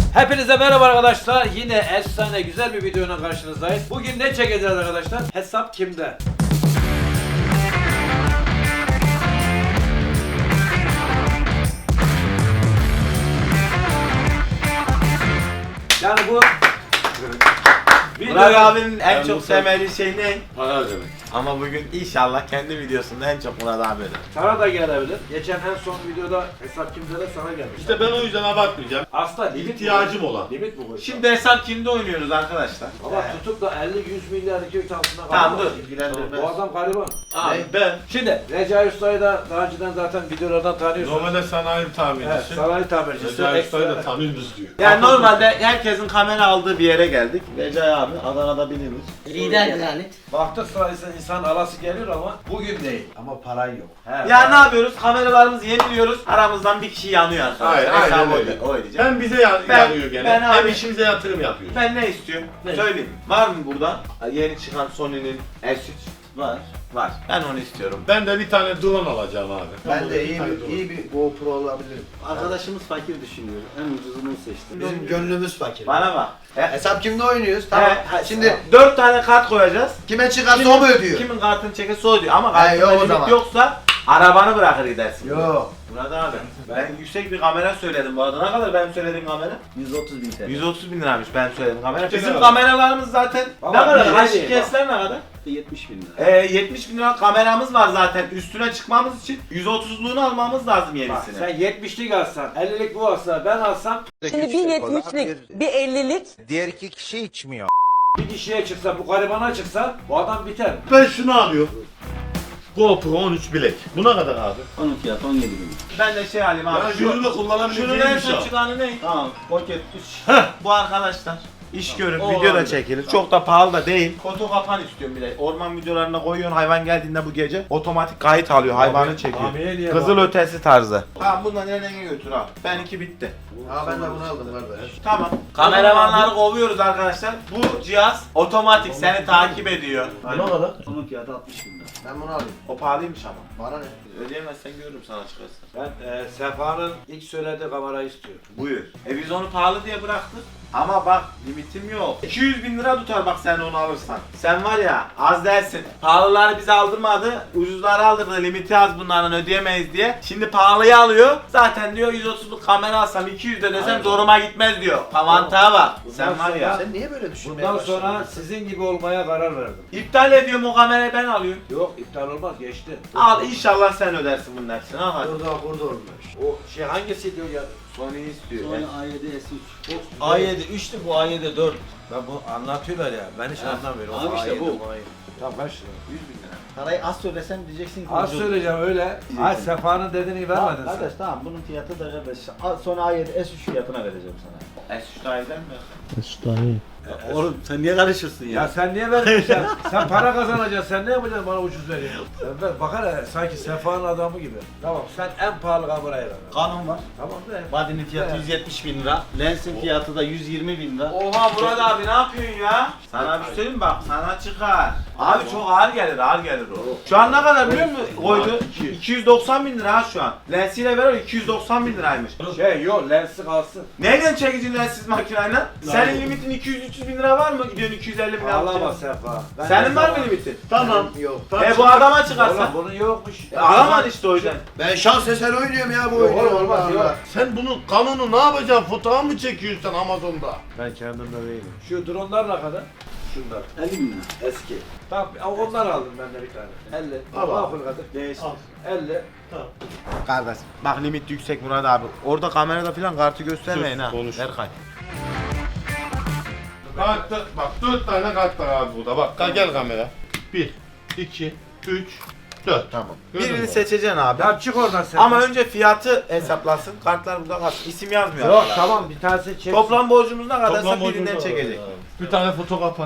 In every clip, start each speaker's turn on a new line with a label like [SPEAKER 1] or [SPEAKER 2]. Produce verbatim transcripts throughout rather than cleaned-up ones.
[SPEAKER 1] Hepinize merhaba arkadaşlar. Yine efsane güzel bir videonun karşınızdayız. Bugün ne çekeceğiz arkadaşlar? Hesap kimde? Yani bu
[SPEAKER 2] Burak abinin en çok sevmediği şey ne?
[SPEAKER 3] Para demek.
[SPEAKER 2] Ama bugün inşallah kendi videosunda en çok Murat abi öder.
[SPEAKER 1] sana da gelebilir. Geçen en son videoda hesap kimde de sana gelmiş.
[SPEAKER 3] İşte ben o yüzden abartmayacağım.
[SPEAKER 1] Aslında limit
[SPEAKER 3] İhtiyacım
[SPEAKER 1] bu.
[SPEAKER 3] olan.
[SPEAKER 1] Limit bu.
[SPEAKER 2] Şimdi hesap kimde oynuyoruz arkadaşlar?
[SPEAKER 1] Ama
[SPEAKER 2] Evet.
[SPEAKER 1] tutup da elli yüz milyar iki üç altına
[SPEAKER 2] Tamam
[SPEAKER 1] gariban.
[SPEAKER 2] dur ilgilendirmez.
[SPEAKER 1] Bu adam gariban.
[SPEAKER 2] Abi
[SPEAKER 3] Ben
[SPEAKER 1] Şimdi Recai Usta'yı da daha önceden zaten videolardan tanıyorsunuz.
[SPEAKER 3] normalde sanayi
[SPEAKER 1] Evet,
[SPEAKER 3] tamircisi.
[SPEAKER 1] sanayi tamircisi.
[SPEAKER 3] Recai Usta'yı da
[SPEAKER 1] ekstra-
[SPEAKER 3] tanıyoruz diyor.
[SPEAKER 2] yani normalde herkesin kamera aldığı bir yere geldik. Recai abi Adana'da bilinir.
[SPEAKER 4] Lider lanet.
[SPEAKER 1] Baktık sayesinde insan alası geliyor ama bugün değil. Ama paran yok. He,
[SPEAKER 2] Ya ne yapıyoruz? Kameralarımızı yeniliyoruz. Aramızdan bir kişi yanıyor arkadaşlar.
[SPEAKER 3] Hayır, aynen
[SPEAKER 2] Hesabı
[SPEAKER 3] öyle.
[SPEAKER 2] o- o ödeyecek.
[SPEAKER 3] Hem bize ya-
[SPEAKER 2] Ben-
[SPEAKER 3] yarıyor gene.
[SPEAKER 2] ben
[SPEAKER 3] hem
[SPEAKER 2] abi-
[SPEAKER 3] işimize yatırım yapıyoruz.
[SPEAKER 2] Ben ne istiyorum?
[SPEAKER 4] Ne?
[SPEAKER 2] Söyleyeyim. Var mı burada? Yeni çıkan Sony'nin S üç.
[SPEAKER 4] Var.
[SPEAKER 2] Var. Ben onu istiyorum.
[SPEAKER 3] Ben de bir tane drone alacağım abi.
[SPEAKER 5] Ben de iyi
[SPEAKER 3] tane
[SPEAKER 5] bir,
[SPEAKER 3] drone.
[SPEAKER 5] iyi bir GoPro alabilirim.
[SPEAKER 4] Arkadaşımız fakir düşünüyor. En ucuzunu seçti.
[SPEAKER 5] Bizim gönlümüz fakir.
[SPEAKER 2] Bana bak. He,
[SPEAKER 5] Hesap kimde oynuyoruz? Tamam.
[SPEAKER 2] he,
[SPEAKER 5] Şimdi
[SPEAKER 2] dört tane kart koyacağız.
[SPEAKER 5] kime çıkarsa o mu ödüyor?
[SPEAKER 2] Kimin kartını çekerse o ödüyor. Ama
[SPEAKER 5] He,
[SPEAKER 2] kartında
[SPEAKER 5] yok o
[SPEAKER 2] limit
[SPEAKER 5] zaman.
[SPEAKER 2] yoksa arabanı bırakır gidersin.
[SPEAKER 5] Yok.
[SPEAKER 2] Murat abi. Ben yüksek bir kamera söyledim bu arada. Ne kadar benim söylediğim kamera?
[SPEAKER 4] yüz otuz bin T L.
[SPEAKER 2] yüz otuz bin liraymış ben söylediğim kamera.
[SPEAKER 3] Çok
[SPEAKER 2] Bizim
[SPEAKER 3] güzel.
[SPEAKER 2] kameralarımız zaten
[SPEAKER 1] Baba,
[SPEAKER 2] ne kadar?
[SPEAKER 1] bir
[SPEAKER 2] H
[SPEAKER 1] şey
[SPEAKER 2] D S'ler ne kadar?
[SPEAKER 4] yetmiş bin lira.
[SPEAKER 2] Ee, yetmiş bin lira kameramız var zaten. Üstüne çıkmamız için yüz otuzluğunu almamız lazım
[SPEAKER 1] Bak
[SPEAKER 2] yenisini.
[SPEAKER 1] sen yetmişlik alsan, ellilik bu alsa, ben alsam
[SPEAKER 6] Şimdi bir yetmişlik, bir ellilik.
[SPEAKER 7] Diğer iki kişi içmiyor.
[SPEAKER 1] bir kişiye çıksa, bu garibana çıksa bu adam biter.
[SPEAKER 3] Ben şunu alıyorum. GoPro on üç bilek. Bu ne kadar abi?
[SPEAKER 4] Onun fiyatı on yedi bin.
[SPEAKER 2] Ben de şey alayım abi.
[SPEAKER 3] Ya
[SPEAKER 2] Şu,
[SPEAKER 3] şunu da
[SPEAKER 2] şunun en
[SPEAKER 3] kullanabileceğim bir
[SPEAKER 2] son
[SPEAKER 3] şey.
[SPEAKER 2] çıkanı ne?
[SPEAKER 4] Tamam. Pocket üç.
[SPEAKER 2] Bu arkadaşlar. İş görür,
[SPEAKER 4] O
[SPEAKER 2] video da
[SPEAKER 4] olabilir.
[SPEAKER 2] çekilir. Çok da pahalı da değil. Foto kapan istiyorum bir de. Orman videolarına koyuyorsun hayvan geldiğinde bu gece otomatik kayıt alıyor, hayvanı çekiyor.
[SPEAKER 1] Abiye niye
[SPEAKER 2] Kızıl
[SPEAKER 1] bak-
[SPEAKER 2] ötesi tarzı. Tamam bundan nereye götür abi. Benimki bitti.
[SPEAKER 5] Ha ben de bunu aldım kardeş.
[SPEAKER 2] Tamam. Kameramanları kovuyoruz arkadaşlar. Bu cihaz otomatik seni takip ediyor.
[SPEAKER 3] Ne kadar?
[SPEAKER 4] Onun fiyatı altmış bin lira.
[SPEAKER 5] Ben bunu alayım.
[SPEAKER 2] O pahalıymış ama.
[SPEAKER 5] Bana ne?
[SPEAKER 2] Ödeyemezsen görürüm sana çıkarsa.
[SPEAKER 1] Ben e, Sefa'nın ilk söylediği kamerayı istiyorum.
[SPEAKER 2] Buyur. E biz onu pahalı diye bıraktık. Ama bak limitim yok. iki yüz bin lira tutar bak sen onu alırsan. Sen var ya az dersin. Pahalıları bize aldırmadı. Ucuzları aldırdı. Limiti az bunların ödeyemeyiz diye. Şimdi pahalıyı alıyor. Zaten diyor yüz otuzluk kamera alsam iki yüz de desem zoruma gitmez diyor. Avantaja bak. Sen var ya.
[SPEAKER 5] Sen niye böyle düşünmeye
[SPEAKER 1] Bundan
[SPEAKER 5] başladın?
[SPEAKER 1] sonra sizin gibi olmaya karar verdim.
[SPEAKER 2] İptal ediyorum o kamerayı ben alıyorum.
[SPEAKER 1] Yok iptal olmaz geçti.
[SPEAKER 2] Al inşallah sen ödersin bunun hepsini. Al hadi.
[SPEAKER 5] Burada burada olmuş.
[SPEAKER 1] O şey hangisi diyor ya?
[SPEAKER 2] Sony'yi istiyor.
[SPEAKER 4] Sonra A yedi S üç.
[SPEAKER 1] A yedi üçtü bu A yedi dört. Ben bu anlatıyorlar ya. Ben hiç anlamıyorum.
[SPEAKER 4] Abi işte
[SPEAKER 1] A yedi,
[SPEAKER 4] bu.
[SPEAKER 1] A yedi. Tamam kaç lira?
[SPEAKER 2] yüz bin lira.
[SPEAKER 4] Parayı az söylesen diyeceksin ki
[SPEAKER 1] Az
[SPEAKER 4] ucuz.
[SPEAKER 1] söyleyeceğim öyle. Ha Sefa'nın dediğini
[SPEAKER 4] Tamam
[SPEAKER 1] vermedin sen.
[SPEAKER 4] kardeş tamam bunun fiyatı da kardeş. A- Sonra A yedi S üç fiyatına vereceğim sana.
[SPEAKER 2] S üç daha eder mi?
[SPEAKER 4] Oğlum sen niye karışırsın
[SPEAKER 1] Ya sen niye verdin sen? Sen para kazanacaksın. Sen ne yapacaksın bana ucuz veriyorsun? Sen ver, bakar ya, sanki Sefa'nın adamı gibi. Tamam sen en pahalı kamerayı ver.
[SPEAKER 4] Kanun var.
[SPEAKER 1] Tamam be.
[SPEAKER 4] Body'nin fiyatı yüz yetmiş bin lira. Lensin fiyatı da yüz yirmi bin lira.
[SPEAKER 2] Oha Murat abi ne yapıyorsun ya? Sana bir şey söyleyeyim mi bak sana çıkar. Abi çok ağır gelir ağır gelir o. Şu an ne kadar biliyor musun koydu? iki yüz doksan bin lira ha şu an. Lensiyle beraber iki yüz doksan bin liraymış.
[SPEAKER 1] Şey yok lensi kalsın.
[SPEAKER 2] Nereden çekeceksin lensiz makineyle? Senin limitin iki yüz üç yüz bin lira var mı? Gidiyorsun iki yüz elli bin lira
[SPEAKER 1] Ağlama
[SPEAKER 2] alacaksın.
[SPEAKER 1] Sefa. Ben
[SPEAKER 2] Senin
[SPEAKER 1] ne
[SPEAKER 2] var mı
[SPEAKER 1] zaman-
[SPEAKER 2] limitin?
[SPEAKER 3] Tamam.
[SPEAKER 5] Yok.
[SPEAKER 2] E bu adama çıkarsa.
[SPEAKER 1] Oğlum bunun yokmuş.
[SPEAKER 2] E, Alamadın işte o yüzden.
[SPEAKER 5] Ben şans eseri oynuyorum ya bu
[SPEAKER 1] Yok
[SPEAKER 5] oyunu.
[SPEAKER 1] oğlum, olmaz,
[SPEAKER 5] Allah
[SPEAKER 1] yok.
[SPEAKER 5] Allah.
[SPEAKER 3] Sen bunun kanunu ne yapacaksın? Fotoğraf mı çekiyorsun sen Amazon'da?
[SPEAKER 1] Ben kendimde değilim. Şu dronlar ne kadar? Şunlar.
[SPEAKER 4] elli bin lira.
[SPEAKER 1] Eski. Tamam onlar aldım ben de bir tane. elli.
[SPEAKER 3] Al abi.
[SPEAKER 1] Makul kadar. Değişti.
[SPEAKER 3] Al.
[SPEAKER 1] elli.
[SPEAKER 2] Kardeş bak limit yüksek Murat abi. Orada kamerada falan kartı göstermeyin
[SPEAKER 3] Sus,
[SPEAKER 2] ha.
[SPEAKER 3] konuş.
[SPEAKER 2] Berkay.
[SPEAKER 3] Kartta, bak dört tane kart var abi burada. Bak ka- gel kamera. Bir, iki, üç, dört.
[SPEAKER 2] Tamam.
[SPEAKER 3] Gördün
[SPEAKER 2] Birini
[SPEAKER 3] mü?
[SPEAKER 2] seçeceksin abi.
[SPEAKER 1] Ya çık oradan sen.
[SPEAKER 2] Ama önce fiyatı hesaplasın. Kartlar burada kalsın. İsim yazmıyor.
[SPEAKER 1] Yok
[SPEAKER 2] arkadaşlar.
[SPEAKER 1] tamam bir tanesi çek.
[SPEAKER 2] Toplam borcumuz ne kadarsa
[SPEAKER 3] Toplam
[SPEAKER 2] birinden
[SPEAKER 3] borcumuz var.
[SPEAKER 2] çekecek.
[SPEAKER 3] Bir tane foto kapan.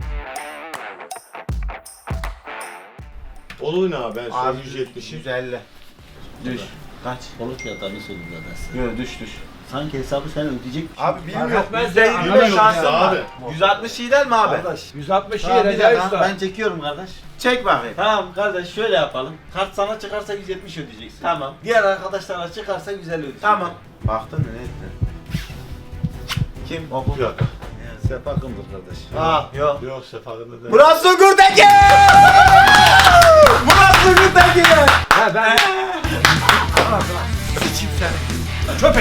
[SPEAKER 3] Olur ne abi ben
[SPEAKER 2] Abi
[SPEAKER 3] şöyle yüz yetmişi.
[SPEAKER 2] yüz elli. Düş. Kaç?
[SPEAKER 4] Onun fiyatlarını söyledim zaten.
[SPEAKER 2] Yok düş düş.
[SPEAKER 4] Sanki hesabı sen ödeyecek.
[SPEAKER 2] Abi bilmiyorum.
[SPEAKER 1] etmez
[SPEAKER 2] yüzde
[SPEAKER 1] ya,
[SPEAKER 2] yirmi
[SPEAKER 1] anlamıyorum
[SPEAKER 2] şansın
[SPEAKER 3] ya
[SPEAKER 2] var.
[SPEAKER 3] abi.
[SPEAKER 2] yüz altmış iyi değil mi abi?
[SPEAKER 4] Kardeş.
[SPEAKER 1] yüz altmış iyi
[SPEAKER 4] Tamam, bir
[SPEAKER 1] Recai
[SPEAKER 4] dakika,
[SPEAKER 1] Usta.
[SPEAKER 4] ben çekiyorum kardeş.
[SPEAKER 2] Çek bakayım.
[SPEAKER 4] Tamam kardeş şöyle yapalım. Kart sana çıkarsa yüz yetmiş ödeyeceksin.
[SPEAKER 2] Tamam.
[SPEAKER 4] Diğer arkadaşlara çıkarsa yüz elli ödeyeceksin.
[SPEAKER 2] Tamam. Baktın mı ne ettin? Kim? Oku.
[SPEAKER 3] Yok.
[SPEAKER 5] Sefa Kındır kardeş.
[SPEAKER 2] Aa yok.
[SPEAKER 3] Yok Sefa'da değil.
[SPEAKER 2] Murat Sungur'daki! Murat Sungur'daki!
[SPEAKER 1] Ha ben... Sıçayım seni. Köpek.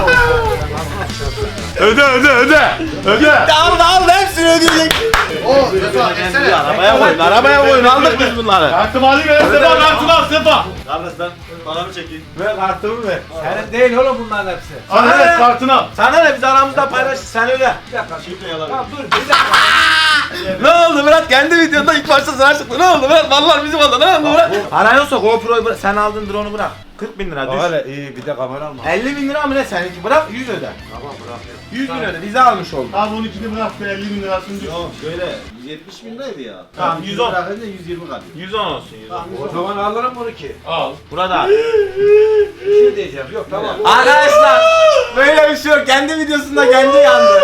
[SPEAKER 3] Öde öde öde. Öde.
[SPEAKER 2] Al al hepsini ödeyecek.
[SPEAKER 5] O Sefa etsene.
[SPEAKER 2] Arabaya koyun, arabaya koyun. Aldık biz bunları.
[SPEAKER 3] Kartımı alayım ver Sefa, kartımı al Sefa.
[SPEAKER 4] Kardeş ben paramı çekeyim.
[SPEAKER 2] Ver kartımı ver.
[SPEAKER 1] Senin değil oğlum bunların hepsi.
[SPEAKER 3] Al
[SPEAKER 2] Sana
[SPEAKER 3] evet
[SPEAKER 2] ne?
[SPEAKER 3] kartını al.
[SPEAKER 2] Sana ne biz aramızda paylaş sen öyle.
[SPEAKER 1] Bir dakika.
[SPEAKER 4] Şifre yalan.
[SPEAKER 1] Tamam dur bir dakika.
[SPEAKER 2] Ne oldu Murat? Kendi videonda ilk başta sana çıktı. Ne oldu Murat? Vallahi bizim oldu. Ne oldu Murat? Para yoksa GoPro'yu bırak. Sen aldın drone'u bırak. kırk bin lira düş.
[SPEAKER 1] Öyle iyi bir de kamera alma.
[SPEAKER 2] elli bin lira mı ne seninki? Bırak yüz öde.
[SPEAKER 1] Tamam bırakıyorum.
[SPEAKER 2] yüz bin öde. Bize almış oldun.
[SPEAKER 3] Abi on ikini bırak be elli bin lirasını düş.
[SPEAKER 4] Yok şöyle yüz yetmiş bin liraydı ya.
[SPEAKER 2] Tamam, yüz on.
[SPEAKER 4] Bırakınca yüz yirmi kalıyor.
[SPEAKER 2] yüz on olsun yüz on.
[SPEAKER 1] O zaman alırım bunu ki.
[SPEAKER 3] Al.
[SPEAKER 2] Burada.
[SPEAKER 1] Bir şey diyeceğim. Yok tamam.
[SPEAKER 2] Arkadaşlar böyle bir şey yok. Kendi videosunda kendi yandı.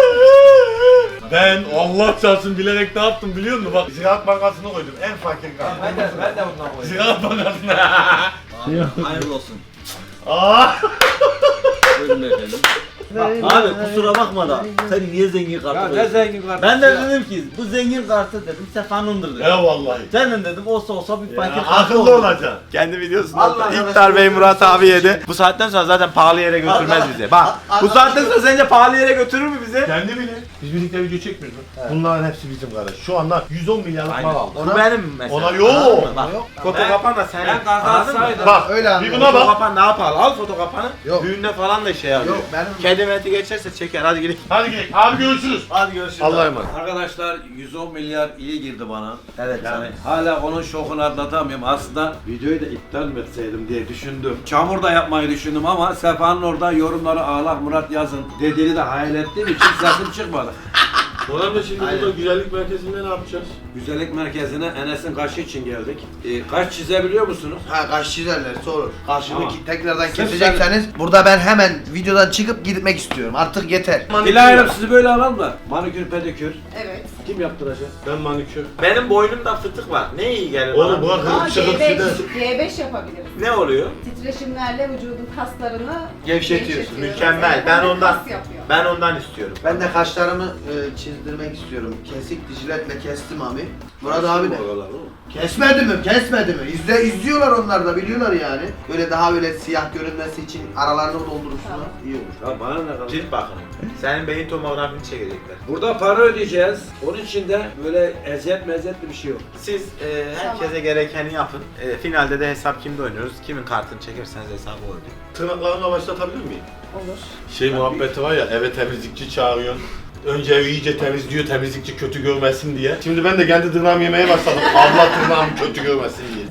[SPEAKER 3] Ben Allah çarpsın bilerek ne yaptım biliyor musun? Bak Ziraat Bankası'na koydum en fakir
[SPEAKER 1] Ben
[SPEAKER 3] kart.
[SPEAKER 1] de, ben de bundan koyayım.
[SPEAKER 3] Ziraat Bankası'na.
[SPEAKER 4] Abi, hayırlı olsun.
[SPEAKER 3] Aa.
[SPEAKER 4] Buyurun efendim. Abi kusura bakma da sen niye zengin kartı
[SPEAKER 1] Ya ne
[SPEAKER 4] koyuyorsun?
[SPEAKER 1] zengin kardeş
[SPEAKER 4] Ben de
[SPEAKER 1] ya.
[SPEAKER 4] dedim ki bu zengin kartı dedim Sefa'nındır dedim.
[SPEAKER 3] Ya vallahi.
[SPEAKER 4] Senin dedim olsa olsa bir fakir
[SPEAKER 3] Ya,
[SPEAKER 4] kartı
[SPEAKER 3] akıllı
[SPEAKER 4] olur.
[SPEAKER 3] olacaksın.
[SPEAKER 2] Kendi videosunda
[SPEAKER 1] Allah
[SPEAKER 2] İptal Bey Murat abi yedi. Bu saatten sonra zaten pahalı yere götürmez bizi. Bak bu saatten sonra sence pahalı yere götürür mü bizi?
[SPEAKER 3] Kendi bilir. Biz birlikte video çekmiyoruz mu? Bunların hepsi bizim kardeş. Şu anda yüz on milyarlık mal aldık.
[SPEAKER 2] Bu benim mesela.
[SPEAKER 3] Ona yok.
[SPEAKER 2] Anladın mı? Bak,
[SPEAKER 1] Yok.
[SPEAKER 2] foto
[SPEAKER 1] Ben-
[SPEAKER 2] kapan da senin.
[SPEAKER 1] Ben kazansaydım.
[SPEAKER 3] Bak
[SPEAKER 5] Öyle
[SPEAKER 3] bir
[SPEAKER 5] anladım.
[SPEAKER 3] buna
[SPEAKER 2] Foto
[SPEAKER 3] bak.
[SPEAKER 2] kapan daha pahalı. Al foto kapanı.
[SPEAKER 5] Yok.
[SPEAKER 2] Düğünde falan da şey yapıyor.
[SPEAKER 5] Yok benim.
[SPEAKER 2] Kedi meti geçerse çeker. Hadi gidelim.
[SPEAKER 3] Hadi gidelim. Abi görüşürüz.
[SPEAKER 4] Hadi görüşürüz.
[SPEAKER 3] Allah'a emanet.
[SPEAKER 1] Arkadaşlar yüz on milyar iyi girdi bana.
[SPEAKER 2] Evet.
[SPEAKER 1] Yani hala onun şokunu atlatamıyorum. Aslında videoyu da iptal mi etseydim diye düşündüm. Çamur da yapmayı düşündüm ama Sefa'nın orada yorumları ağlak Murat yazın dediğini de hayal ettiğim için sesim çıkmadı.
[SPEAKER 3] Ulan da şimdi burada güzellik merkezinde ne yapacağız?
[SPEAKER 1] Güzellik merkezine Enes'in kaşı için geldik. Ee, kaş çizebiliyor musunuz?
[SPEAKER 5] Ha kaş çizerler sorur. Kaşını
[SPEAKER 1] Tamam.
[SPEAKER 5] ki- tekrardan
[SPEAKER 1] Sırf
[SPEAKER 5] kesecekseniz burada ben hemen videodan çıkıp gitmek istiyorum. Artık yeter.
[SPEAKER 1] Dilay'ım sizi böyle alalım da. Manikür pedikür.
[SPEAKER 7] Evet.
[SPEAKER 1] Kim yaptıracak?
[SPEAKER 3] Ben manikür.
[SPEAKER 2] Benim boynumda fıtık var. Ne iyi gelir
[SPEAKER 3] Oğlum bu
[SPEAKER 2] bana?
[SPEAKER 3] akıllı
[SPEAKER 7] Aa,
[SPEAKER 3] çıkıp
[SPEAKER 7] G beş,
[SPEAKER 3] size.
[SPEAKER 7] G beş yapabiliriz.
[SPEAKER 2] Ne oluyor?
[SPEAKER 7] Titreşimlerle vücudun kaslarını
[SPEAKER 2] Gevşetiyorsun.
[SPEAKER 7] gevşetiyoruz.
[SPEAKER 2] Mükemmel.
[SPEAKER 7] Evet,
[SPEAKER 2] Ben
[SPEAKER 7] hem de
[SPEAKER 2] ondan
[SPEAKER 7] kas yapıyor.
[SPEAKER 2] ben ondan istiyorum.
[SPEAKER 5] Ben de kaşlarımı e, çizdirmek istiyorum. Kesik dijiletle kestim abi. Murat abi de. Kesmedi mi? Kesmedi mi? İzle, izliyorlar onlar da biliyorlar yani. Böyle daha böyle siyah görünmesi için aralarını doldurursunlar.
[SPEAKER 7] Tamam.
[SPEAKER 5] İyi olur.
[SPEAKER 1] Ya bana ne kadar?
[SPEAKER 2] Cilt bakımı. Senin beyin tomografini çekecekler.
[SPEAKER 1] Burada para ödeyeceğiz. Onun için de böyle eziyet meziyetli bir şey yok.
[SPEAKER 2] Siz e, herkese gerekeni yapın. E, finalde de hesap kimde oynuyoruz. Kimin kartını çekerseniz hesabı o ödüyor.
[SPEAKER 3] Tırnaklarına başlatabilir miyim?
[SPEAKER 7] Olur.
[SPEAKER 3] Şey muhabbeti var ya eve temizlikçi çağırıyorsun. Önce evi iyice temizliyor temizlikçi kötü görmesin diye. Şimdi ben de kendi tırnağımı yemeye başladım. Abla tırnağımı kötü görmesin diye.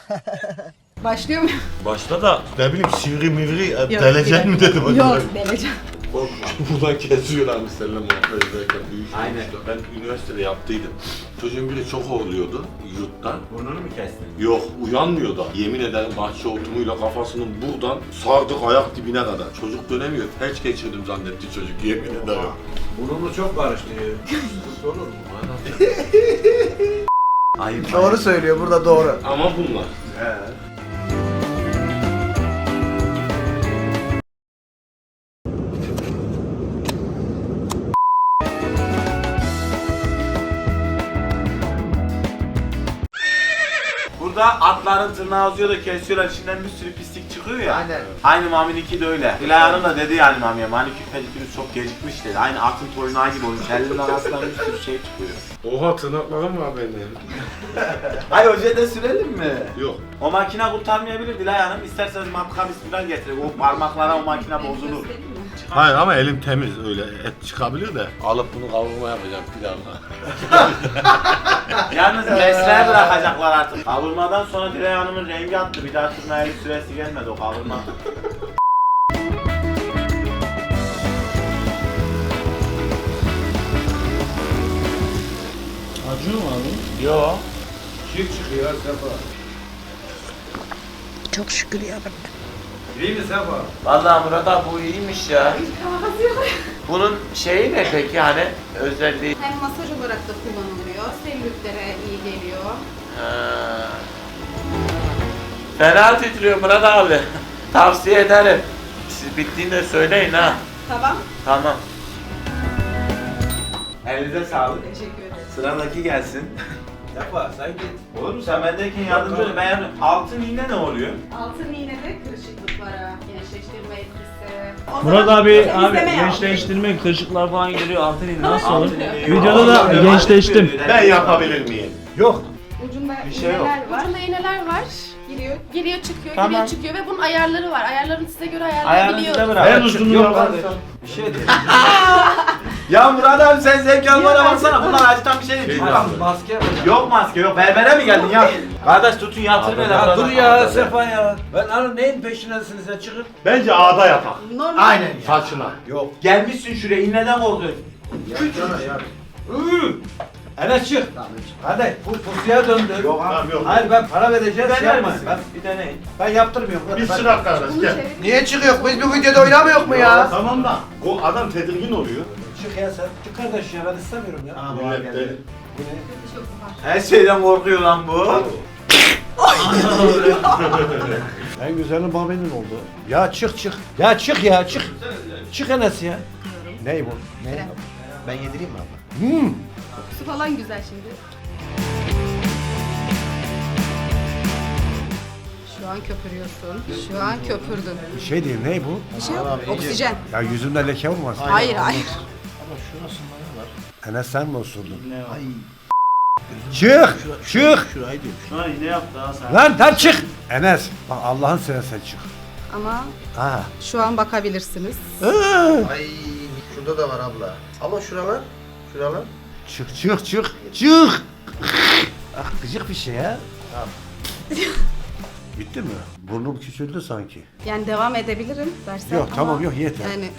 [SPEAKER 7] Başlıyor mu?
[SPEAKER 3] Başta da ne bileyim sivri mivri
[SPEAKER 7] Yok,
[SPEAKER 3] deleceksin mi dedim.
[SPEAKER 7] Yok, deleceğim.
[SPEAKER 3] Buradan kesiyorlarmış seninle muhabbet ederken. büyük
[SPEAKER 2] Aynen.
[SPEAKER 3] işte. Ben üniversitede yaptıydım. Çocuğun biri çok horluyordu yurttan.
[SPEAKER 2] Burnunu mu kestin?
[SPEAKER 3] Yok uyanmıyor da. Yemin ederim bahçe otumuyla kafasının buradan sardık ayak dibine kadar. Çocuk dönemiyor. Felç geçirdim zannetti çocuk yemin ederim.
[SPEAKER 1] Burnunu çok karıştırıyor. Olur mu?
[SPEAKER 2] Ayıp.
[SPEAKER 5] Doğru söylüyor burada doğru.
[SPEAKER 3] Ama bunlar.
[SPEAKER 2] Burada atların tırnağı uzuyor da kesiyorlar, içinden bir sürü pislik çıkıyor ya.
[SPEAKER 5] Aynen.
[SPEAKER 2] Aynı Mami'ninki de öyle. Dilay Hanım da dedi yani Mami'ye, manikür pedikürü çok gecikmiş dedi. Aynı atın toynağı gibi olmuş, elinin arasından bir sürü şey çıkıyor.
[SPEAKER 3] Oha tırnaklarım var benim.
[SPEAKER 2] Hayır hocaya da sürelim mi?
[SPEAKER 3] Yok.
[SPEAKER 2] O makine kurtarmayabilir Dilay Hanım. İsterseniz matka bismillah getirin. O parmaklara o makine bozulur.
[SPEAKER 7] Göstereyim mi?
[SPEAKER 3] Hayır ama elim temiz öyle et çıkabilir de. Alıp bunu kavurma yapacağım pilavla.
[SPEAKER 2] Yalnız mesleğe bırakacaklar artık. Kavurmadan sonra Dilay Hanım'ın rengi attı. Bir daha sürmeye bir süresi gelmedi o kavurma.
[SPEAKER 4] Acıyor mu abi?
[SPEAKER 2] Yo.
[SPEAKER 1] Çift çıkıyor Sefa.
[SPEAKER 6] Çok şükür ya.
[SPEAKER 1] İyi mi Sefa?
[SPEAKER 2] Vallahi Murat abi bu iyiymiş ya.
[SPEAKER 7] Kavgası yok.
[SPEAKER 2] Bunun şeyi ne peki hani özelliği?
[SPEAKER 7] Hem masaj olarak da kullanılıyor. Selülitlere iyi geliyor.
[SPEAKER 2] Ha. Fena titriyor Murat abi. Tavsiye ederim. Siz bittiğinde söyleyin ha.
[SPEAKER 7] Tamam.
[SPEAKER 2] Tamam. Elinize sağlık.
[SPEAKER 7] Teşekkür ederim.
[SPEAKER 2] Sıradaki gelsin.
[SPEAKER 1] Sefa sen git.
[SPEAKER 2] Olur mu? Sen bendeyken yardımcı ol. Ben yardım- Altın iğne ne oluyor?
[SPEAKER 7] Altın iğnede kırışıklıklara, gençleştirme etkisi. O
[SPEAKER 4] Murat
[SPEAKER 7] zaman
[SPEAKER 4] abi
[SPEAKER 7] temizleme
[SPEAKER 4] abi
[SPEAKER 7] yap.
[SPEAKER 4] gençleştirme, kırışıklar falan geliyor. Altın iğne nasıl olur?
[SPEAKER 2] Altın iğne yok.
[SPEAKER 4] Videoda da
[SPEAKER 2] Altın iğne
[SPEAKER 4] gençleştim.
[SPEAKER 2] yok.
[SPEAKER 3] Ben yapabilir miyim?
[SPEAKER 1] Yok.
[SPEAKER 7] Ucunda
[SPEAKER 2] Bir şey yok.
[SPEAKER 7] iğneler var.
[SPEAKER 8] Ucunda iğneler var.
[SPEAKER 7] Giriyor.
[SPEAKER 8] Giriyor çıkıyor,
[SPEAKER 2] Tamam.
[SPEAKER 8] giriyor çıkıyor ve bunun ayarları var. Ayarlarını size göre
[SPEAKER 2] Ayağını
[SPEAKER 8] ayarlayabiliyoruz.
[SPEAKER 2] size bırak.
[SPEAKER 3] En uzunluğu
[SPEAKER 1] Yok
[SPEAKER 3] yaparsan.
[SPEAKER 1] kardeşim. Bir şey değil.
[SPEAKER 2] Ya Murat abi sen zevk almana baksana. Bunlar acıtan bir şey değil.
[SPEAKER 3] Şey
[SPEAKER 2] Bak,
[SPEAKER 3] lazım.
[SPEAKER 1] Maske yapacağım.
[SPEAKER 2] yok maske yok. Berbere mi geldin ya? Kardeş tutun yatırın hele.
[SPEAKER 1] Ya
[SPEAKER 2] Murat
[SPEAKER 1] dur
[SPEAKER 2] abi.
[SPEAKER 1] ya Sefa ya. Ben hani neyin peşindesiniz ya çıkın.
[SPEAKER 3] Bence ağda yapak.
[SPEAKER 7] Normal.
[SPEAKER 5] Aynen ya.
[SPEAKER 3] Saçına.
[SPEAKER 1] Yok.
[SPEAKER 2] Gelmişsin şuraya iğneden korkuyorsun.
[SPEAKER 1] Yatsana ya. Iıı. Enes çık. Hadi bu pusuya döndü.
[SPEAKER 2] Yok abi.
[SPEAKER 3] Tamam yok.
[SPEAKER 1] Hayır ben para vereceğim şey
[SPEAKER 2] Dener
[SPEAKER 1] yapmayın.
[SPEAKER 2] misin?
[SPEAKER 1] Ben,
[SPEAKER 2] Bir deneyin.
[SPEAKER 1] ben yaptırmıyorum.
[SPEAKER 3] Biz
[SPEAKER 1] Ben-
[SPEAKER 3] çırak kardeş
[SPEAKER 7] Bunu
[SPEAKER 3] gel.
[SPEAKER 7] çevir.
[SPEAKER 5] Niye çıkıyor? Biz bu videoda oynamıyor mu ya?
[SPEAKER 3] Tamam da o adam tedirgin oluyor.
[SPEAKER 1] Çık ya sen. Çık kardeş ya ben istemiyorum ya.
[SPEAKER 3] Millet de.
[SPEAKER 1] Bu ne?
[SPEAKER 7] Çok var.
[SPEAKER 2] Her şeyden korkuyor lan bu.
[SPEAKER 1] En güzeli Mami'nin oldu. Ya çık çık. Ya çık ya çık. Çık Enes ya. Ney bu? Ne?
[SPEAKER 7] Krem.
[SPEAKER 5] Ben yedireyim mi abla?
[SPEAKER 1] Hmm.
[SPEAKER 8] Kokusu falan güzel şimdi.
[SPEAKER 7] Şu an köpürüyorsun. Şu an köpürdün.
[SPEAKER 1] Bir şey değil ney bu?
[SPEAKER 7] Bir şey yok. Oksijen.
[SPEAKER 1] Ya yüzümde leke olmasın.
[SPEAKER 7] Hayır hayır.
[SPEAKER 1] Enes sen mi osurdun? Çık! Çık!
[SPEAKER 4] Ay ne yaptı ha sen?
[SPEAKER 1] Lan tam çık! Enes bak Allah'ın seversen çık.
[SPEAKER 7] Ama
[SPEAKER 1] Ha.
[SPEAKER 7] şu an bakabilirsiniz.
[SPEAKER 5] Ay şurada da var abla. Ama şuralar, şuralar.
[SPEAKER 1] Çık çık çık çık! Ah gıcık bir şey ya. Bitti mi? Burnum küçüldü sanki.
[SPEAKER 7] Yani devam edebilirim dersen
[SPEAKER 1] Yok,
[SPEAKER 7] ama
[SPEAKER 1] tamam, yok, yeter.
[SPEAKER 7] Yani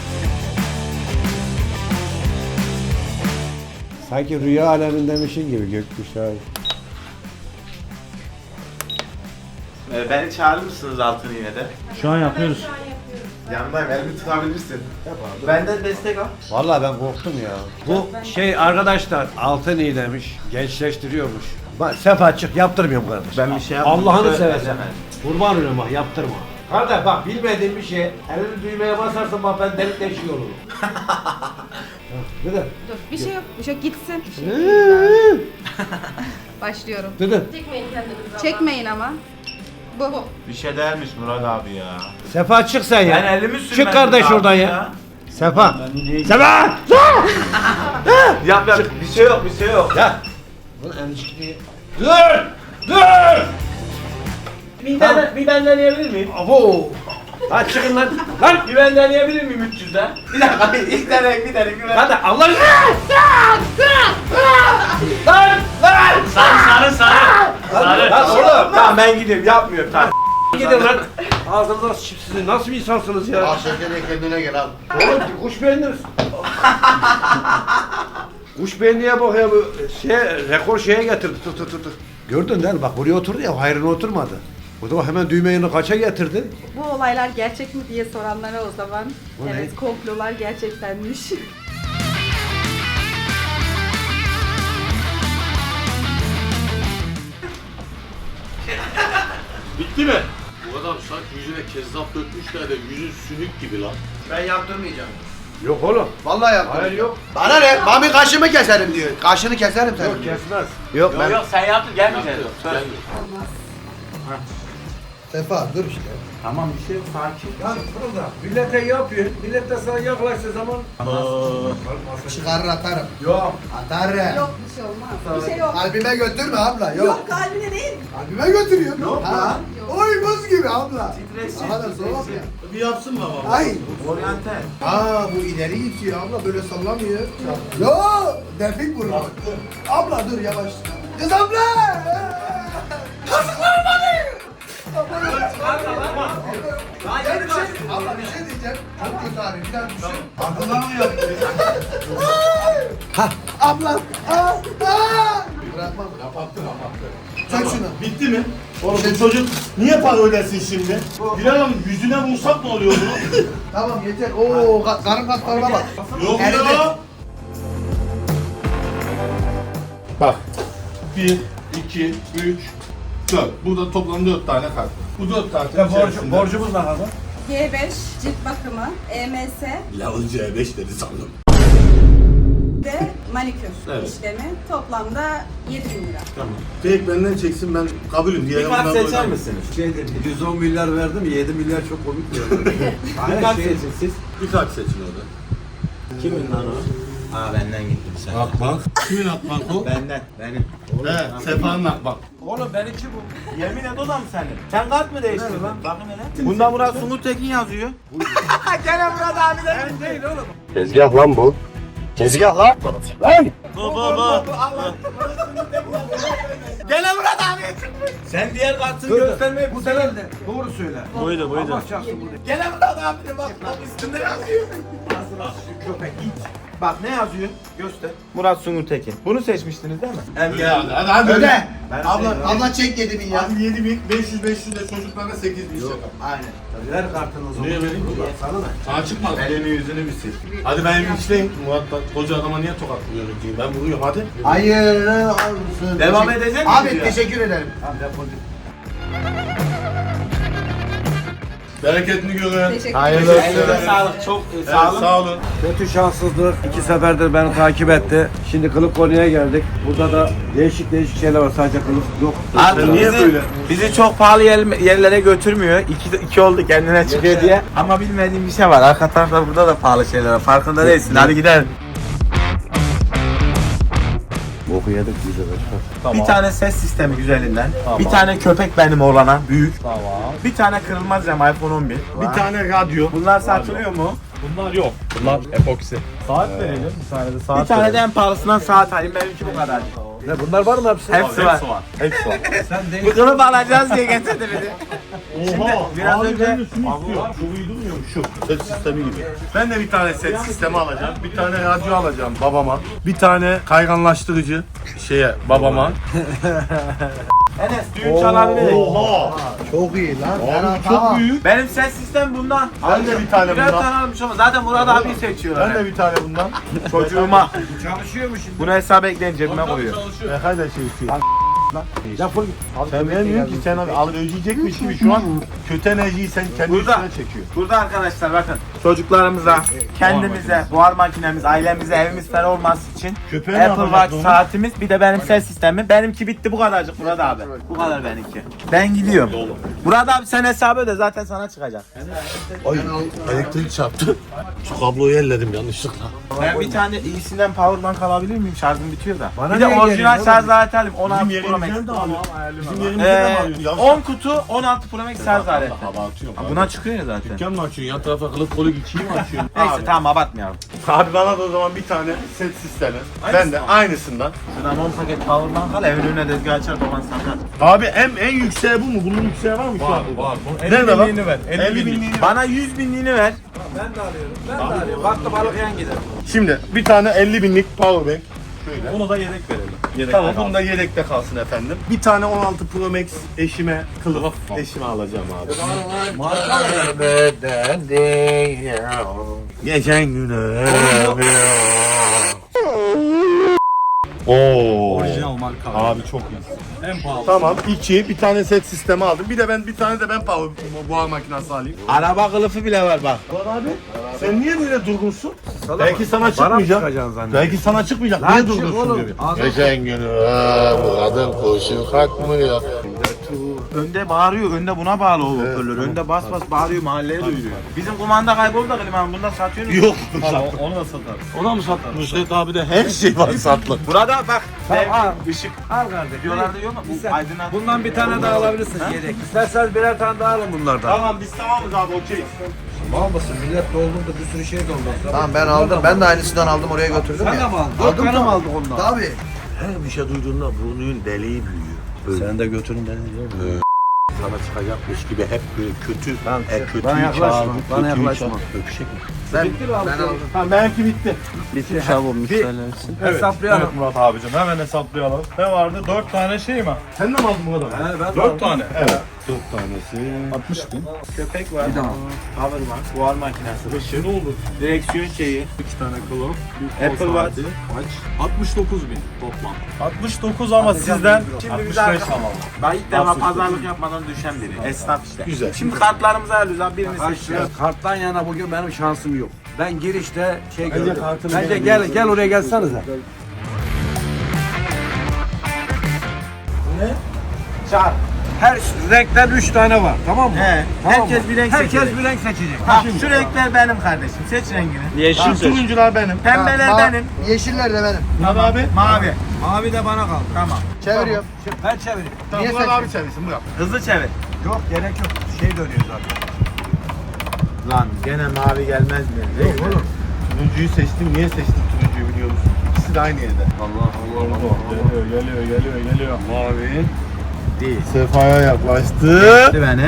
[SPEAKER 1] Sanki rüya alemindemişin gibi gökkuşağı.
[SPEAKER 2] Ee, beni çağırır mısınız altın iğnede?
[SPEAKER 4] Şu an yapıyoruz.
[SPEAKER 2] Yanındayım, elimi tutabilirsin. Benden destek al.
[SPEAKER 1] Vallahi ben korktum ya. Bu şey arkadaşlar altın iğnemiş, gençleştiriyormuş. Bak Sefa çık yaptırmıyorum kardeş.
[SPEAKER 2] Ben bir şey yapmadım.
[SPEAKER 1] Allah'ını
[SPEAKER 2] Söyle-
[SPEAKER 1] seversen.
[SPEAKER 2] Söyleme.
[SPEAKER 1] Kurban olayım bak yaptırma. Kardeş bak bilmediğim bir şey. Elini düğmeye basarsan bak ben delik deşik olurum. Dede.
[SPEAKER 7] dur bir şey yok. Bir şey yok gitsin. Bir şey yok. Başlıyorum.
[SPEAKER 1] Dede.
[SPEAKER 8] Çekmeyin kendinizi.
[SPEAKER 7] Çekmeyin ama. Bu.
[SPEAKER 2] Bir şey dermiş Murat abi ya.
[SPEAKER 1] Sefa çık sen ya.
[SPEAKER 2] Ben elimi sürmedim.
[SPEAKER 1] Çık kardeş
[SPEAKER 2] abi
[SPEAKER 1] oradan ya. Sefa. Sefa!
[SPEAKER 2] Yap yap. Bir şey yok, bir şey yok.
[SPEAKER 1] Ya. Bunu endişkiliği. Dur! Dur!
[SPEAKER 2] Bir ben, bir ben deneyebilir miyim?
[SPEAKER 1] Abo! Lan çıkın lan. Lan!
[SPEAKER 2] Bir ben deneyebilir miyim üç yüzden? Bir dakika, ilk deneyim, bir deneyim, bir
[SPEAKER 1] Hadi Allah aşkına! Lan! Lan!
[SPEAKER 4] Sarı sarı sarı. Sarı.
[SPEAKER 1] Lan oğlum!
[SPEAKER 2] Tamam ben gidiyorum, yapmıyorum tamam.
[SPEAKER 1] Gidin lan! Ağzınıza sıçıp siz nasıl bir insansınız ya?
[SPEAKER 5] Ah şeker kendine gel abi.
[SPEAKER 1] Oğlum kuş beğeniriz. Kuş beğendiye bak ya bu şey rekor şeye getirdi tut tut tut. Gördün değil mi? Bak buraya oturdu ya hayrına oturmadı. O da hemen düğmeyi kaça getirdi?
[SPEAKER 7] Bu olaylar gerçek mi diye soranlara o zaman.
[SPEAKER 1] Bu ne?
[SPEAKER 7] evet komplolar gerçektenmiş.
[SPEAKER 3] Bitti mi? Bu adam sanki yüzüne kezzap dökmüşler de yüzü sünük gibi lan.
[SPEAKER 5] Ben yaptırmayacağım.
[SPEAKER 1] Yok oğlum.
[SPEAKER 5] Vallahi yaptırmayacağım.
[SPEAKER 1] Hayır yok.
[SPEAKER 5] Bana ne? Mami kaşımı keserim diyor. Kaşını keserim senin.
[SPEAKER 1] Yok kesmez.
[SPEAKER 5] Yok
[SPEAKER 2] Yok yok sen yaptın, gelmeyeceksin. Söyle.
[SPEAKER 5] Sefa dur işte.
[SPEAKER 2] Tamam bir şey yok, sakin.
[SPEAKER 1] Ya burada millete yapıyor. Millet de sana yaklaştığı zaman
[SPEAKER 5] Çıkarır atarım.
[SPEAKER 1] yok.
[SPEAKER 5] Atarım.
[SPEAKER 7] yok bir şey olmaz. Bir şey yok.
[SPEAKER 5] Kalbime götürme abla. Yok.
[SPEAKER 7] Yok kalbine değil.
[SPEAKER 5] Kalbime götürüyor.
[SPEAKER 2] Yok
[SPEAKER 5] ha.
[SPEAKER 2] lan.
[SPEAKER 5] Oy buz gibi abla.
[SPEAKER 2] Stressiz,
[SPEAKER 5] Daha da soğuk
[SPEAKER 2] stressiz.
[SPEAKER 5] ya.
[SPEAKER 3] Bir yapsın mı ama?
[SPEAKER 5] Ay.
[SPEAKER 2] Oryantal.
[SPEAKER 5] Aa bu ileri gidiyor abla böyle sallamıyor. Yo defik vurur. Abla dur yavaş. Kız abla. Kızlar beni. Ya bir şey, abla bir şey diyeceğim. Çok kötü abi bir daha düşün.
[SPEAKER 3] Aklından mı yaptı?
[SPEAKER 5] Ha abla. Aa, aa. Bırakmam.
[SPEAKER 3] Kapattı kapattı.
[SPEAKER 5] Çök şunu.
[SPEAKER 3] Bitti mi? Oğlum bu çocuk niye para ödesin şimdi? Bilal Hanım yüzüne vursak ne oluyor bunu?
[SPEAKER 5] Tamam yeter. Oo ka- karın kaslarıma bak.
[SPEAKER 3] Yok
[SPEAKER 5] Eridi.
[SPEAKER 3] ya. Bak. Bir, iki, üç, dört. Burada toplam dört tane kart. Bu dört tane
[SPEAKER 1] Ya borcu,
[SPEAKER 3] içerisinde-
[SPEAKER 1] borcumuz ne kadar?
[SPEAKER 7] G beş cilt bakımı, E M S
[SPEAKER 3] Lavın C beş dedi sandım.
[SPEAKER 7] ve manikür
[SPEAKER 3] Evet.
[SPEAKER 7] işlemi toplamda yedi bin lira.
[SPEAKER 3] Tamam. Tek benden çeksin ben kabulüm diye.
[SPEAKER 2] Bir kart seçer misiniz?
[SPEAKER 1] Şey dedi, yüz on milyar verdim, yedi milyar çok komik diyor.
[SPEAKER 2] Bir kart seçin siz.
[SPEAKER 3] Bir kart seçin orada.
[SPEAKER 2] Kimin lan o? Aa benden gittim sen.
[SPEAKER 3] Akbank. Kimin Akbank o?
[SPEAKER 2] Benden. Benim.
[SPEAKER 3] He, Sefa'nın Akbank.
[SPEAKER 1] Oğlum benimki bu.
[SPEAKER 2] Yemin et o da mı senin? Sen kart mı değiştirdin? Bakın hele. Bunda Murat Sungur Tekin yazıyor. Gene Murat abi de.
[SPEAKER 1] Ben değil oğlum.
[SPEAKER 3] Tezgah lan bu. Tezgah lan. Lan!
[SPEAKER 2] Bu bu bu. Gene Murat abi. Sen diğer kartını göstermeyi
[SPEAKER 1] Bu sefer de doğru söyle.
[SPEAKER 2] Buydu buydu.
[SPEAKER 1] Allah çarpsın bu de.
[SPEAKER 2] Gene Murat abi de bak bak üstünde yazıyor. Köpek git. Bak ne yazıyor? Göster. Murat Sungur Tekin. Bunu seçmiştiniz değil mi?
[SPEAKER 3] Hadi hadi hadi.
[SPEAKER 5] Öde.
[SPEAKER 2] Ben
[SPEAKER 5] Abla,
[SPEAKER 2] de-
[SPEAKER 5] abla çek yedi bin ya.
[SPEAKER 3] Hadi yedi bin, beş yüz beş yüz de çocuklarına sekiz bin şaka.
[SPEAKER 5] Aynen.
[SPEAKER 1] Ver kartını o zaman.
[SPEAKER 3] Niye vereyim ki?
[SPEAKER 1] Sana ne?
[SPEAKER 3] Sana çıkmaz. Elini yüzünü bir sil. Hadi ben işleyeyim. Murat bak koca adama niye tokatlıyorsun diyeyim. Ben vuruyorum hadi.
[SPEAKER 5] Hayır olsun.
[SPEAKER 2] Devam
[SPEAKER 5] Teşekkür-
[SPEAKER 2] edecek
[SPEAKER 5] Abi
[SPEAKER 2] miyiz ya?
[SPEAKER 5] teşekkür ederim.
[SPEAKER 1] Tamam defol git.
[SPEAKER 3] Bereketini görün.
[SPEAKER 7] Teşekkür
[SPEAKER 3] Hayırlı
[SPEAKER 7] ederim.
[SPEAKER 3] olsun.
[SPEAKER 2] Elinize sağlık. Çok e,
[SPEAKER 3] Evet,
[SPEAKER 2] sağ olun.
[SPEAKER 3] sağ olun.
[SPEAKER 1] Kötü şanssızlık. İki seferdir beni takip etti. Şimdi kılık konuya geldik. Burada da değişik değişik şeyler var. Sadece kılık yok.
[SPEAKER 2] Abi
[SPEAKER 3] Niye
[SPEAKER 2] bizi,
[SPEAKER 3] böyle?
[SPEAKER 2] bizi çok pahalı yer- yerlere götürmüyor. İki, iki oldu kendine çıkıyor diye. Ama bilmediğim bir şey var. Arka tarafta burada da pahalı şeyler var. Farkında değilsin. Hadi gidelim.
[SPEAKER 1] Boku yedik biz de başka.
[SPEAKER 2] Bir tane ses sistemi güzelinden. Bir tane köpek benim oğlana. Büyük. Bir tane kırılmaz cam iPhone on bir.
[SPEAKER 3] Bir tane radyo.
[SPEAKER 2] Bunlar satılıyor mu?
[SPEAKER 9] Bunlar yok. Bunlar epoksi. Saat verelim. Bir tane de saat
[SPEAKER 2] Bir tane de en pahalısından saat alayım. Benimki bu kadar.
[SPEAKER 1] Ne bunlar var mı hepsi?
[SPEAKER 2] Hepsi var.
[SPEAKER 9] Hepsi var.
[SPEAKER 1] Sen değil.
[SPEAKER 2] Bu kılıf alacağız diye getirdi bizi.
[SPEAKER 3] Oha.
[SPEAKER 2] biraz
[SPEAKER 3] abi
[SPEAKER 2] önce-
[SPEAKER 3] ben de şunu istiyorum. Şu uydurmuyor mu? Şu. Ses sistemi gibi. Ben de bir tane ses sistemi alacağım. Bir tane radyo alacağım babama. Bir tane kayganlaştırıcı şeye babama.
[SPEAKER 2] Enes düğün çalabilir.
[SPEAKER 3] Oha.
[SPEAKER 5] Çok iyi lan.
[SPEAKER 3] Abi çok büyük.
[SPEAKER 2] Benim ses sistem bundan.
[SPEAKER 3] Ben de bir tane
[SPEAKER 2] Birer
[SPEAKER 3] bundan.
[SPEAKER 2] tane almış ama zaten Murat abi seçiyorlar.
[SPEAKER 3] Ben de bir tane bundan.
[SPEAKER 2] Çocuğuma.
[SPEAKER 1] Çalışıyor mu şimdi?
[SPEAKER 2] Bunu hesap ekleyin cebime koyuyor.
[SPEAKER 3] Ne kadar şey istiyor.
[SPEAKER 1] Defol git.
[SPEAKER 3] Sen bilmiyorsun ki sen abi al ödeyecekmiş gibi şu an kötü enerjiyi sen kendi
[SPEAKER 2] Burada.
[SPEAKER 3] üstüne çekiyor.
[SPEAKER 2] Burada arkadaşlar bakın çocuklarımıza, kendimize, buhar makinemiz, ailemize, evimiz ferah olması için
[SPEAKER 3] Köpeğe ne
[SPEAKER 2] Apple
[SPEAKER 3] yapacağız
[SPEAKER 2] Watch
[SPEAKER 3] onu?
[SPEAKER 2] saatimiz bir de benim ses sistemim. Benimki bitti bu kadarcık Murat abi. Bu kadar benimki. Ben gidiyorum. Murat abi sen hesabı öde zaten sana çıkacak.
[SPEAKER 3] Ay elektrik çarptı. Şu kabloyu elledim yanlışlıkla.
[SPEAKER 2] Ben bir tane iyisinden powerbank alabilir miyim? Şarjım bitiyor da.
[SPEAKER 1] Bana
[SPEAKER 2] bir de
[SPEAKER 1] niye
[SPEAKER 2] orijinal
[SPEAKER 1] geliyor
[SPEAKER 2] şarj aleti alayım. on altı
[SPEAKER 3] Bizim
[SPEAKER 2] Pro Max.
[SPEAKER 3] yerimizden de alıyor. Bizim yerimizden de
[SPEAKER 2] Ee,
[SPEAKER 3] alıyor. Ya
[SPEAKER 2] on kutu on altı Pro Max şarj aleti.
[SPEAKER 3] hava atıyorum.
[SPEAKER 2] Ha, Buna çıkıyor ya zaten.
[SPEAKER 3] Dükkan mı açıyorsun? Yan tarafa kılıf kolu geçeyim mi açıyorsun?
[SPEAKER 2] Neyse tamam abartmayalım.
[SPEAKER 3] Abi bana da o zaman bir tane set sistemi. Ben de aynısından.
[SPEAKER 2] Şuradan on paket powerbank al evin önüne tezgah açar baban satar.
[SPEAKER 3] Abi en en yükseği bu mu? Bunun yükseği var mı şu an?
[SPEAKER 9] Var.
[SPEAKER 3] Nerede lan?
[SPEAKER 9] binliğini ver.
[SPEAKER 3] elli binliğini.
[SPEAKER 2] Bana yüz binliğini ver.
[SPEAKER 1] Ben de alıyorum. Ben de alıyorum. Baktım balık yan gider.
[SPEAKER 3] Şimdi bir tane elli binlik powerbank. Şöyle.
[SPEAKER 9] Bunu da yedek verelim. Yedek
[SPEAKER 3] Tamam bunu da yedekte kalsın efendim. Bir tane on altı Pro Max eşime kılıf eşime alacağım abi. Geçen güne. Oo.
[SPEAKER 9] Orijinal marka.
[SPEAKER 3] Abi çok iyi.
[SPEAKER 9] En pahalı.
[SPEAKER 3] Tamam iki bir tane set sistemi aldım. Bir de ben bir tane de ben power buhar makinesi alayım.
[SPEAKER 2] Araba kılıfı bile var bak.
[SPEAKER 3] Abi sen niye böyle durgunsun? Belki sana çıkmayacak. Belki sana çıkmayacak.
[SPEAKER 1] Lan
[SPEAKER 3] Niye
[SPEAKER 1] çık
[SPEAKER 3] durgunsun
[SPEAKER 1] oğlum.
[SPEAKER 3] diyor.
[SPEAKER 1] Ağzına-
[SPEAKER 3] Geçen günü bu kadın koşu kalkmıyor.
[SPEAKER 2] Önde bağırıyor, önde buna bağlı o hoparlör. Önde bas bas bağırıyor, mahalleye duyuruyor. Bizim kumanda kayboldu da klimanın bunda satıyorsunuz.
[SPEAKER 3] Yok.
[SPEAKER 9] Onu, onu da satarız.
[SPEAKER 3] Ona mı sattın? Nusret abi de her şey var satlık.
[SPEAKER 2] Burada bak.
[SPEAKER 1] Tamam,
[SPEAKER 2] dev,
[SPEAKER 1] al.
[SPEAKER 2] ışık.
[SPEAKER 1] Al kardeşim.
[SPEAKER 2] Videolarda yok mu? Bu aydınlat.
[SPEAKER 1] Bundan bir tane daha alabilirsin yedek. İsterseniz birer tane daha alın bunlardan.
[SPEAKER 3] Tamam biz tamamız abi okey.
[SPEAKER 1] Mal mısın? Millet doldurdu bir sürü şey doldurdu.
[SPEAKER 5] Tamam ben aldım. Ben de aynısından aldım oraya götürdüm
[SPEAKER 1] Sen
[SPEAKER 5] ya.
[SPEAKER 1] de mi aldın? Dört tane mi aldık ondan?
[SPEAKER 5] Tabii.
[SPEAKER 3] Her bir şey duyduğunda burnunun deliği büyüyor.
[SPEAKER 1] Sen de götürün beni diyor.
[SPEAKER 3] Sana çıkacakmış gibi hep böyle kötü,
[SPEAKER 1] Lan,
[SPEAKER 3] e, kötüyü
[SPEAKER 1] bana yaklaşma,
[SPEAKER 3] çağırdı,
[SPEAKER 1] bana
[SPEAKER 3] kötüyü
[SPEAKER 1] yaklaşma.
[SPEAKER 3] çağırdı. Öpüşecek mi?
[SPEAKER 5] Ben,
[SPEAKER 1] Bitti mi abi?
[SPEAKER 5] ben aldım.
[SPEAKER 3] Tamam belki bitti.
[SPEAKER 2] Bitti çabuk
[SPEAKER 9] Evet.
[SPEAKER 1] Hesaplayalım.
[SPEAKER 9] Evet Murat abicim hemen hesaplayalım. Ne vardı? dört tane şey mi?
[SPEAKER 3] Sen de mi aldın bu kadar?
[SPEAKER 1] He ben de
[SPEAKER 9] dört
[SPEAKER 1] aldım.
[SPEAKER 9] tane.
[SPEAKER 3] Evet. Dört tanesi.
[SPEAKER 9] altmış bin.
[SPEAKER 2] Köpek var.
[SPEAKER 1] Bir daha.
[SPEAKER 2] Power var. Buhar makinesi.
[SPEAKER 9] Işığı ne olur?
[SPEAKER 2] Direksiyon şeyi.
[SPEAKER 9] iki tane kılıf. bir
[SPEAKER 2] Apple
[SPEAKER 9] kol
[SPEAKER 2] Watch.
[SPEAKER 9] saati. altmış dokuz bin toplam. altmış dokuz ama sizden
[SPEAKER 2] Şimdi
[SPEAKER 9] altmış
[SPEAKER 2] biz
[SPEAKER 9] beş
[SPEAKER 2] arka-
[SPEAKER 9] alalım.
[SPEAKER 2] Ben ilk defa
[SPEAKER 9] altmış dokuz.
[SPEAKER 2] pazarlık yapmadan düşen biri. Esnaf işte.
[SPEAKER 3] Güzel.
[SPEAKER 2] Şimdi kartlarımızı alıyoruz abi birini
[SPEAKER 1] Kaç
[SPEAKER 2] seçiyoruz.
[SPEAKER 1] lira? Karttan yana bugün benim şansım yok. Ben girişte şey
[SPEAKER 3] Bence
[SPEAKER 1] gördüm.
[SPEAKER 3] kartını
[SPEAKER 1] Bence
[SPEAKER 3] verelim.
[SPEAKER 1] gel gel oraya gelsenize.
[SPEAKER 2] Ne? Çağır.
[SPEAKER 1] Her renkten üç tane var, tamam mı?
[SPEAKER 2] He,
[SPEAKER 1] Tamam
[SPEAKER 2] herkes
[SPEAKER 1] mı?
[SPEAKER 2] bir renk
[SPEAKER 1] Herkes
[SPEAKER 2] seçecek.
[SPEAKER 1] bir renk seçecek.
[SPEAKER 2] Ha, şu renkler benim kardeşim. Seç rengini.
[SPEAKER 4] Yeşil
[SPEAKER 3] Tamam,
[SPEAKER 4] seç.
[SPEAKER 3] turuncular benim.
[SPEAKER 2] Pembeler
[SPEAKER 5] Ma-
[SPEAKER 2] benim.
[SPEAKER 5] Yeşiller de benim.
[SPEAKER 3] Murat abi.
[SPEAKER 2] Mavi.
[SPEAKER 1] Mavi de bana kaldı.
[SPEAKER 2] Tamam.
[SPEAKER 5] Çeviriyorum.
[SPEAKER 1] Ben çevireyim.
[SPEAKER 3] Tamam,
[SPEAKER 5] Niye
[SPEAKER 3] Murat
[SPEAKER 5] seçtin?
[SPEAKER 3] abi çevirsin Murat.
[SPEAKER 2] Hızlı çevir.
[SPEAKER 1] Yok, gerek yok. Şey dönüyor zaten.
[SPEAKER 2] Lan gene mavi gelmez mi?
[SPEAKER 1] Yok oğlum.
[SPEAKER 3] Turuncuyu seçtim. Niye seçtim turuncuyu biliyor musun? İkisi de aynı yerde.
[SPEAKER 1] Allah Allah Allah.
[SPEAKER 3] Geliyor, geliyor, geliyor, geliyor. Mavi.
[SPEAKER 2] Değil.
[SPEAKER 3] Sefa'ya yaklaştı.
[SPEAKER 2] Beni.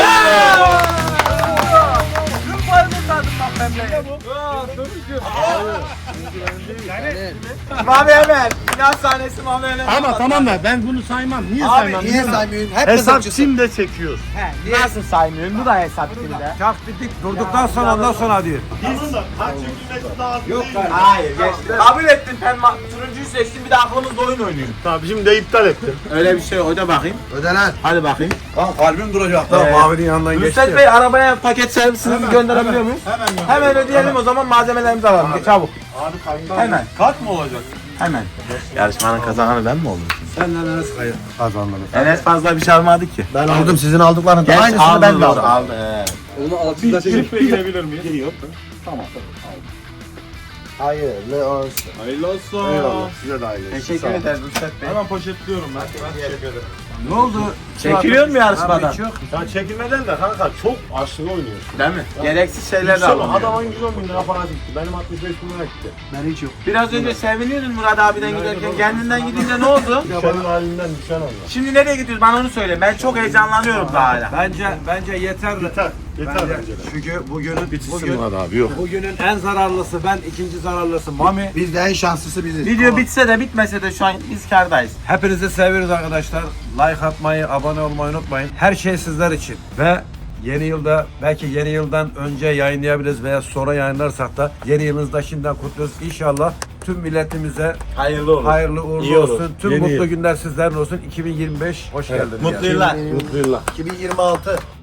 [SPEAKER 2] Mavi hemen. Final sahnesi mavi hemen.
[SPEAKER 3] Ama tamam da ben bunu saymam. Niye
[SPEAKER 2] Abi,
[SPEAKER 3] saymam?
[SPEAKER 5] Niye saymıyorsun? Hep
[SPEAKER 3] Hesap
[SPEAKER 5] hesapçısın.
[SPEAKER 3] şimdi çekiyoruz.
[SPEAKER 2] Nasıl saymıyorsun? Bu da hesap şimdi.
[SPEAKER 1] Çak dedik, durduktan sonra ondan sonra diyor.
[SPEAKER 3] Tamam da kaç çekilmesi lazım
[SPEAKER 1] Yok
[SPEAKER 3] değil.
[SPEAKER 1] kardeşim.
[SPEAKER 2] Hayır geçti. Kabul ettin ben ma- turuncuyu seçtim bir de aklımızda oyun oynuyorum.
[SPEAKER 3] Tamam şimdi de iptal ettim.
[SPEAKER 2] Öyle bir şey oyna bakayım.
[SPEAKER 5] Öde lan.
[SPEAKER 2] Hadi bakayım.
[SPEAKER 1] Lan kalbim duracak da
[SPEAKER 2] Ee,
[SPEAKER 1] mavinin yanından geçti.
[SPEAKER 2] Rüstet Bey arabaya paket servisinizi gönderebiliyor muyuz?
[SPEAKER 3] Hemen gör.
[SPEAKER 2] Hemen ödeyelim o zaman malzemelerimizi alalım. Çabuk.
[SPEAKER 3] Abi kayın.
[SPEAKER 2] Hemen.
[SPEAKER 1] Kat mı olacak?
[SPEAKER 2] Hemen. Yarışmanın kazananı ben mi oldum?
[SPEAKER 1] Senden Enes kayıt kazandın.
[SPEAKER 2] Enes fazla bir şey almadı ki.
[SPEAKER 5] Ben aldım sizin aldıklarınızı.
[SPEAKER 2] Gerçi
[SPEAKER 5] Aynısını
[SPEAKER 2] aldı
[SPEAKER 5] ben de
[SPEAKER 2] doğru,
[SPEAKER 5] aldım.
[SPEAKER 2] aldı. He.
[SPEAKER 9] Onu altında çekip
[SPEAKER 3] girebilir miyiz? Giriyor.
[SPEAKER 5] Hayırlı olsun.
[SPEAKER 9] Hayırlı olsun.
[SPEAKER 3] Eyvallah. Size de aile.
[SPEAKER 2] Teşekkür ederiz Rüstet Bey.
[SPEAKER 3] Hemen poşetliyorum ben. Teşekkür ederim.
[SPEAKER 1] Ne oldu?
[SPEAKER 2] Çekiliyor mu yarışmadan?
[SPEAKER 1] Abi, çok.
[SPEAKER 3] Ya çekilmeden de kanka çok aşırı oynuyorsun.
[SPEAKER 2] Değil mi? Gereksiz şeyler de
[SPEAKER 3] Yüksel
[SPEAKER 2] alınıyor.
[SPEAKER 3] adamın yüz on bin lira para gitti. Benim altmış beş bin lira gitti.
[SPEAKER 5] Ben hiç yok.
[SPEAKER 2] Biraz önce seviniyordun Murat abiden giderken kendinden gidince ne oldu?
[SPEAKER 3] Senin halinden düşen Allah.
[SPEAKER 2] Şimdi nereye gidiyoruz bana onu söyle. Ben çok heyecanlanıyorum daha hala.
[SPEAKER 1] Bence bence yeter.
[SPEAKER 3] Yeter. Yeter
[SPEAKER 1] Bence.
[SPEAKER 3] bence de.
[SPEAKER 1] Çünkü bugünün
[SPEAKER 3] Bitsin
[SPEAKER 1] bugün,
[SPEAKER 3] Murat abi yok.
[SPEAKER 1] bugünün en zararlısı ben, ikinci zararlısı Mami.
[SPEAKER 5] Biz de en şanslısı biziz.
[SPEAKER 2] Video bitse de bitmese de şu an biz kârdayız.
[SPEAKER 1] Hepinizi seviyoruz arkadaşlar. Like atmayı, abone olmayı unutmayın. Her şey sizler için. Ve yeni yılda, belki yeni yıldan önce yayınlayabiliriz veya sonra yayınlarsak da yeni yılınızda şimdiden kutluyoruz. İnşallah tüm milletimize
[SPEAKER 2] Hayırlı olur.
[SPEAKER 1] hayırlı uğurlu
[SPEAKER 3] İyi olur.
[SPEAKER 1] olsun. Tüm
[SPEAKER 3] Yeni
[SPEAKER 1] mutlu
[SPEAKER 3] yıl.
[SPEAKER 1] günler sizlerle olsun. iki bin yirmi beş hoş geldiniz.
[SPEAKER 2] Mutlu yıllar.
[SPEAKER 3] Mutlu yıllar.
[SPEAKER 5] iki bin yirmi altı.